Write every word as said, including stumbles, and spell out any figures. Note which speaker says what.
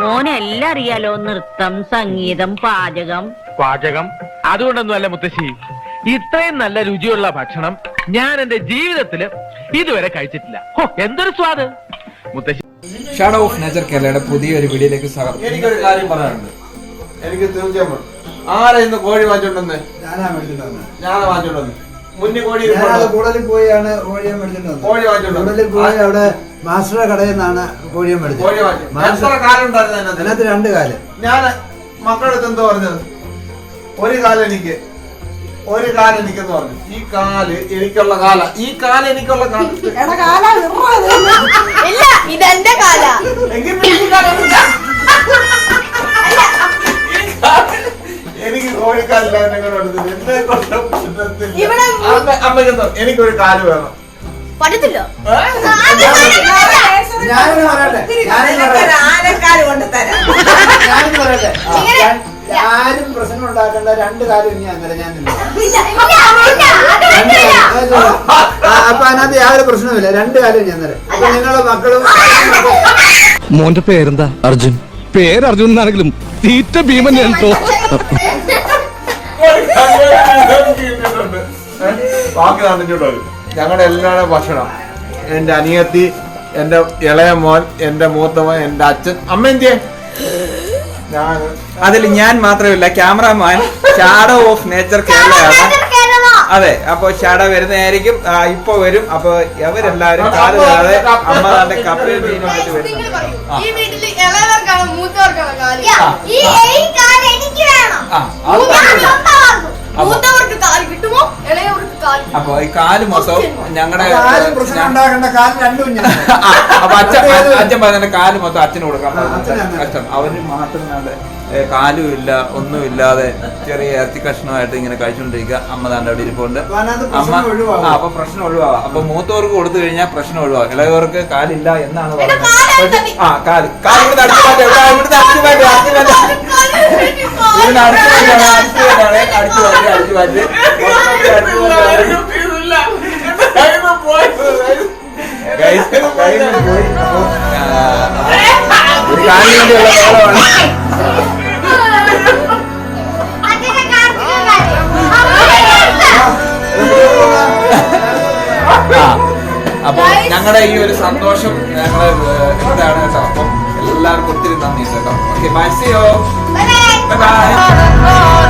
Speaker 1: മോനെല്ലാം അറിയാലോ, നൃത്തം, സംഗീതം, പാചകം.
Speaker 2: പാചകം അതുകൊണ്ടൊന്നും അല്ല മുത്തശ്ശി, ഇത്രയും നല്ല രുചിയുള്ള ഭക്ഷണം ഞാൻ എന്റെ ജീവിതത്തില് ഇതുവരെ കഴിച്ചിട്ടില്ല. എന്തൊരു സ്വാദ് മുത്തശ്ശി.
Speaker 3: ഷാഡോ ഓഫ് നേച്ചർ കേരളയുടെ പുതിയൊരു വീഡിയോയിലേക്ക് സ്വാഗതം.
Speaker 4: എനിക്കൊരു കാര്യം പറയാനുണ്ട്. എനിക്ക് തീർച്ചയായും ആരാ ഇന്ന് കോഴി വാങ്ങിച്ചോണ്ടെന്ന്?
Speaker 5: ഞാനാ മേടിച്ചിട്ടുണ്ടെന്ന്.
Speaker 4: ഞാനാ വാങ്ങിച്ചോണ്ടെന്ന്. മുന്നേ കോഴി
Speaker 5: കൂടുതൽ പോയാണ് കോഴിയെ മേടിച്ചിട്ടുണ്ടെന്ന്.
Speaker 4: കോഴി വാങ്ങിച്ചോണ്ടെന്ന്.
Speaker 5: കൂടുതൽ പോയി അവിടെ മാസ്റ്ററുടെ കടയിൽ നിന്നാണ് കോഴിയെ മേടിച്ചത്.
Speaker 4: കോഴി വാങ്ങിച്ചു. എത്ര കാലം ഉണ്ടായിരുന്നു
Speaker 5: അതിനകത്ത്? രണ്ട് കാലം.
Speaker 4: ഞാൻ മക്കളുടെ അടുത്ത് എന്തോ പറഞ്ഞത്, ഒരു കാലം എനിക്ക് ഒരു കാലം എനിക്കെന്ന് പറഞ്ഞു. ഈ കാല് എനിക്കുള്ള കാല, ഈ കാല എനിക്കുള്ള കാല.
Speaker 6: ഇതെന്റെ കാല.
Speaker 4: എനിക്ക് കോഴിക്കാലില്ല. അമ്മയ്ക്കെന്തോ എനിക്കൊരു കാല് വേണം.
Speaker 6: പറ്റത്തില്ല.
Speaker 5: ഞാനൊന്ന് പറയട്ടെ,
Speaker 7: ആനക്കാല് കൊണ്ട് തരാം.
Speaker 5: ഞാനൊന്ന് പറയട്ടെ, ആരും പ്രശ്നം ഉണ്ടാക്കേണ്ട. രണ്ട് കാലം ഇനി അന്നേരം ഞാൻ നിന്നു. അപ്പൊ അതിനകത്ത് യാതൊരു പ്രശ്നവുമില്ല. രണ്ട് കാലം ഞാൻ തരാം. അപ്പൊ നിങ്ങളുടെ മക്കളും.
Speaker 8: മോന്റെ പേരെന്താ? അർജുൻ. പേര് അർജുൻ എന്നാണെങ്കിലും തീറ്റ ഭീമൻ കേട്ടോ.
Speaker 4: ബാക്കി തന്നിട്ടുണ്ടോ? ഞങ്ങളുടെ എല്ലാവരുടെ ഭക്ഷണം, എന്റെ അനിയത്തി, എന്റെ ഇളയ മോൻ, എന്റെ മൂത്തമോൻ, എന്റെ അച്ഛൻ, അമ്മ എന്തിയെ? ഞാൻ
Speaker 3: അതിൽ ഞാൻ മാത്രമല്ല, ക്യാമറാമാൻ ഷാഡോ ഓഫ് നേച്ചർ കേരളയാണ്. അതെ, അപ്പൊ ഷാഡോ വരുന്നതായിരിക്കും. ഇപ്പൊ വരും. അപ്പൊ അവരെല്ലാരും കാല് തരാതെ അമ്മ തന്റെ കപ്പയിൽ മീനുമായിട്ട് വരുന്നുണ്ട്. അപ്പൊ ഈ കാല് മൊത്തം ഞങ്ങളുടെ
Speaker 5: പ്രശ്നം ഉണ്ടാക്കേണ്ട. കാലം രണ്ടും ഞാൻ.
Speaker 3: അപ്പൊ അച്ഛൻ അച്ഛൻ പറഞ്ഞ കാല് മൊത്തം അച്ഛന് കൊടുക്കാൻ കഷ്ടം. അവര് മാത്രം കാലും ഇല്ല, ഒന്നുമില്ലാതെ ചെറിയ ഇറച്ചി കഷ്ണമായിട്ട് ഇങ്ങനെ കഴിച്ചുകൊണ്ടിരിക്കുക. അമ്മ താണ്ട് അവിടെ ഇരിപ്പുണ്ട്. അമ്മ ആ അപ്പൊ പ്രശ്നം ഒഴിവാകാം. അപ്പൊ മൂത്തവർക്ക് കൊടുത്തു കഴിഞ്ഞാൽ പ്രശ്നം ഒഴിവാകും. ഇളയവർക്ക് കാലില്ല എന്നാണ് പറയുന്നത്. ആ കാല് കാല് ഇവിടുന്ന് അടിച്ചു മാറ്റി, ഇവിടുന്ന് അടിച്ചു മാറ്റി, അടിച്ചു മാറ്റി, ഇവിടുന്ന് അടിച്ചു മാറ്റിയാണ് അടിച്ചു മാറ്റാണ് അടിച്ചു മാറ്റി അടിച്ചു മാറ്റി പോയി. ഒരു കാലിന് വേണ്ടിയുള്ള ബഹളമാണ്. അപ്പൊ ഞങ്ങളുടെ ഈ ഒരു സന്തോഷം ഞങ്ങള് എന്താണ് കേട്ടോ. അപ്പം എല്ലാവർക്കും ഒത്തിരി നന്ദി കേട്ടോ. Okay, bye, see you, bye by.